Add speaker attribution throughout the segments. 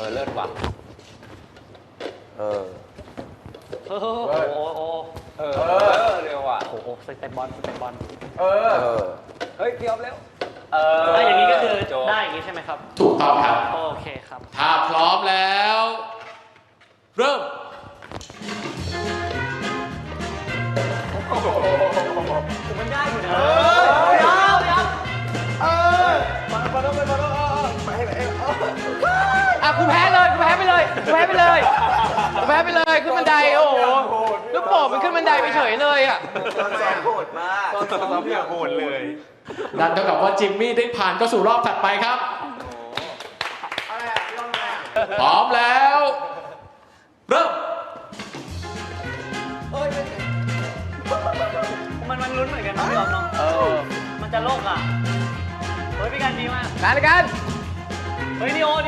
Speaker 1: เลิศว่ะโอ้เร็วว่ะ
Speaker 2: โอ้โหสเต็ปบอล
Speaker 1: เฮ้ยเกี่ยวเร็ว
Speaker 2: ถ้าอย่างนี้ก็คือได้อย่างนี้ใช่ไหมครับ
Speaker 3: ถูกต้องครับ
Speaker 2: โอเคครับ
Speaker 3: ถ้าพร้อมแล้วเริ่ม
Speaker 2: มันได้อยู่นะกูแพ้เลยขึ้นบันไดโอ้โหลูกโป่งมันขึ้นบันไดไปเฉยเลยอ่ะ
Speaker 1: ตอนซ้อมโหดมากตอนซ้อมโหดเลย
Speaker 3: นั่นเท่ากับว่าจิมมี่ได้ผ่านเข้าสู่รอบถัดไปครับพร้อมแล้วเริ่ม
Speaker 2: มันลุ้นเหมือนกันนะพี่ออมเนาะมันจะโลกอ่ะเฮ้ยพี่กันดีมาก
Speaker 4: กัน
Speaker 2: เฮ้ยนิโอ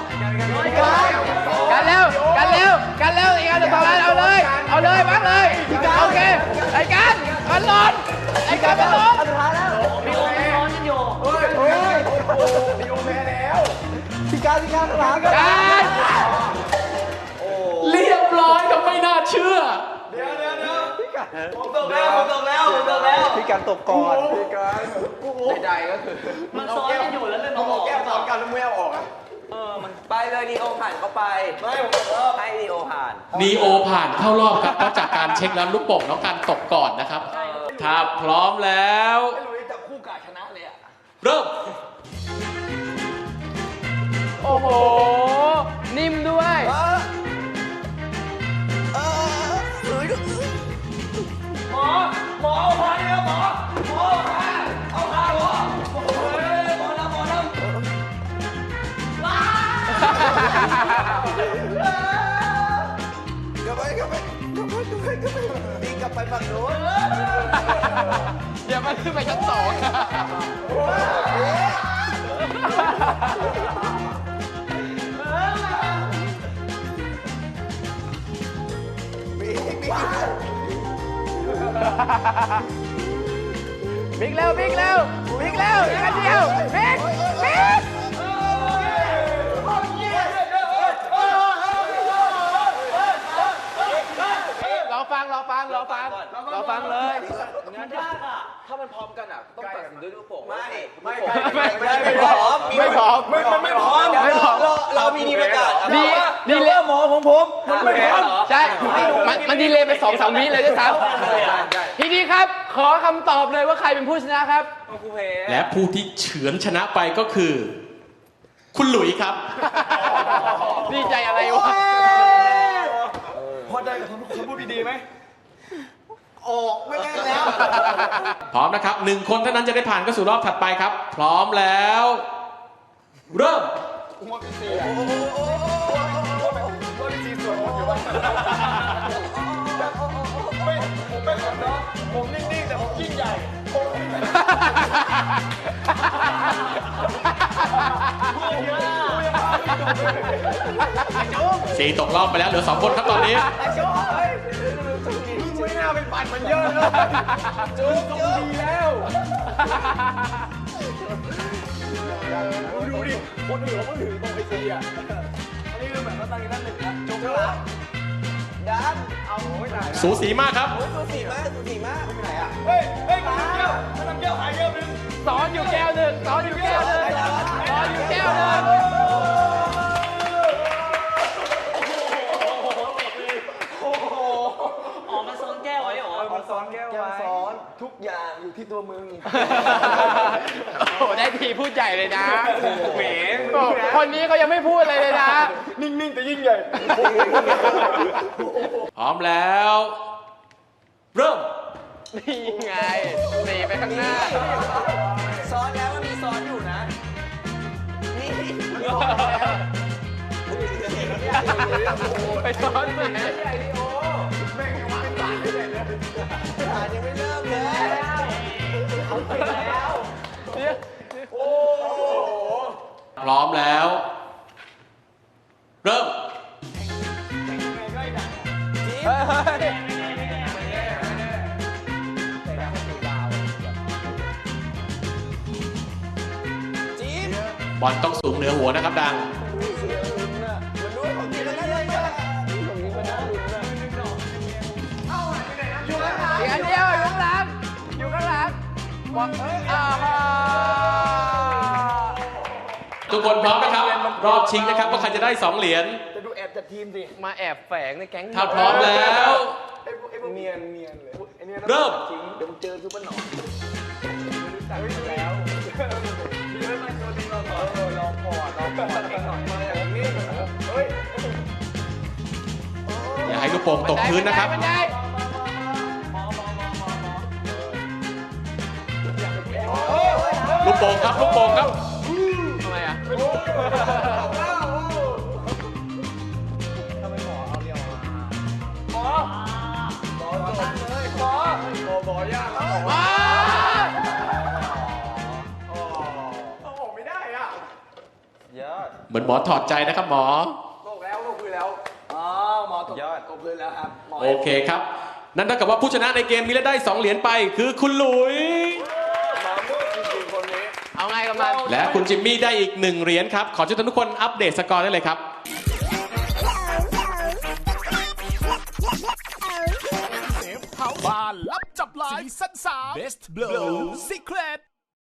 Speaker 4: กันเร็วอีกการจะต่อแล้วเอาเลยบังเลยโอเคไอ้กันมันหล่นไอ้กันมันหล่น
Speaker 2: นิโอนิโอ
Speaker 1: นิโอแพ้แล้วพี่การหลังกัน
Speaker 3: เรียบร้อยครับไม่น่าเชื่อ
Speaker 1: เดี๋ยวผมตกแล้วพี่การตกก่อนพี่การใดๆก็คือ
Speaker 2: มันซ้อนกันอยู่แล้วเลยมา
Speaker 1: บอกแก้ซ้อนกันแล้วไม่เอาออกอ่ะมันไปเลยนีโอผ่านเข้าไปไม่ผมให้นีโอผ่าน
Speaker 3: เข้ารอบครับเพราะจากการเช็คแล้วลูกโป่งน้องการตกก่อนนะครับถ้าพร้อมแล้ว
Speaker 1: จับคู่กาชนะเลยอ่ะ
Speaker 3: เริ่ม
Speaker 4: โอ้โหนิ่มด้วย
Speaker 1: หมอเนี่ยหมอเอาขาหมอกลับไปวิ่งกลับไปฝั่งโน้น
Speaker 4: เดี๋ยวมันขึ้นไปชั้น 2บิ๊กเร็วอีกอันเดียวบิ๊กรอฟังเลย
Speaker 2: มันยากอ่ะ
Speaker 1: ถ้ามันพร้อมกันอ่ะต้องตัดสินด้วยลูกโป่งไม่
Speaker 4: พร้อม
Speaker 1: เรามีดีประกาศ
Speaker 4: ดีเลยหมอของผมมันไม่พร้อมใช่มันดีเลยไป 2-3 วิเลยด้วยซ้ำทีนี้ครับขอคำตอบเลยว่าใครเป็นผู้ชนะครับ
Speaker 3: และผู้ที่เฉือนชนะไปก็คือคุณหลุยครับ
Speaker 4: ดีใจอะไรวะ
Speaker 1: พอได้กับคำพูดดีๆไหมออกไม่ได้แล้ว
Speaker 3: พร้อมนะครับ1 คนเท่านั้นจะได้ผ่านเข้าสู่รอบถัดไปครับพร้อมแล้วเริ่ม
Speaker 1: ผมไม่ขอน้องผมนิ่งๆแต่ผมยิ่งใหญ่
Speaker 3: สี่ตกรอบไปแล้วเหลือ2 คนครับตอนนี้
Speaker 1: ไม่น่าเป็นปั่นมันเยอะเลยจุ๊บดีแล้วดูดิคนอื่นเขาก็ถือตรงไอซีอ่ะอันนี้คือแบบว่าตั้งกัน1นะจุ๊บแล้วดันเอาไม่ได้
Speaker 3: สูสีมากครับ
Speaker 1: สูสีมากไม่เป็นไรอ่ะเฮ้ยน้ำแก้วหายแก้วนึง
Speaker 4: สอนอยู่แก้วหนึ่ง
Speaker 2: มันซ้อนแก้วไว้เหรอ
Speaker 1: มันซ้อนแก้วไว้ซ้อนทุกอย่างอยู่ที่ตัวมึง
Speaker 4: โอ้ได้ทีพูดใหญ่เลยนะแหมคนนี้เขายังไม่พูดเลยนะ
Speaker 1: นิ่งๆแต่ยิ่งใหญ่
Speaker 3: พร้อมแล้วเริ่ม
Speaker 4: นี่ไงหนีไปข้างหน้า
Speaker 1: ซ้อนแล้วมันมีซ้อนอยู่นะนี่
Speaker 4: ไปซ้อนไหน
Speaker 1: แม่งยังไม่ตายเลยยังไม่เริ่มเลยเอาไปแล้วโอ้
Speaker 3: พร้อมแล้วเริ่มบอลต้องสูงเหนือหัวนะครับดังทุกคนพร้อมนะครับ รอบชิงนะครับว่าใครจะได้ 2 เหรียญ
Speaker 1: จะดูแอบจัดทีมสิ
Speaker 4: มาแอบแฝงในแก๊ง
Speaker 3: ถ้าพร้อมแล้ว
Speaker 1: ไอ้พวกเนียนเลยไอ้เนี่ย
Speaker 3: เริ่ม
Speaker 1: จริงเดี๋ยวมึงเจอซูเปอร์หนอนรู้จักแล้วพี่ไม่มาตัวนี้ลองก่อนเองหน่อยมาอย่างนี้เฮ้ย
Speaker 3: อย่าให้ลูกโป่งตกพื้นนะครับ
Speaker 4: ไม่ได้
Speaker 3: ลูกโป่งครับ ลูกโป่งครับ
Speaker 4: ทำไมอ่ะ
Speaker 1: ยากเอาออก
Speaker 4: ว้า
Speaker 1: ไม่ได้อ่ะยอด
Speaker 3: เหมือนหมอถอดใจนะครับหมอ
Speaker 1: โลกแล้วโลกพื้นแล้วอ๋อหมอตกยอดตกพื้นแล้วครับหมอ
Speaker 3: โอเคครับ นั่นเท่ากับว่าผู้ชนะในเกมนี้และได้ 2 เหรียญไป คือคุณหลุย
Speaker 1: หมอมืดจริงๆคนนี้
Speaker 4: เอาไงกับมัน
Speaker 3: และคุณจิมมี่ได้อีก 1 เหรียญครับ ขอเชิญทุกคนอัปเดตสกอร์ได้เลยครับ
Speaker 5: บ้านลับจับลายซีซั่น3 Best Blow Secret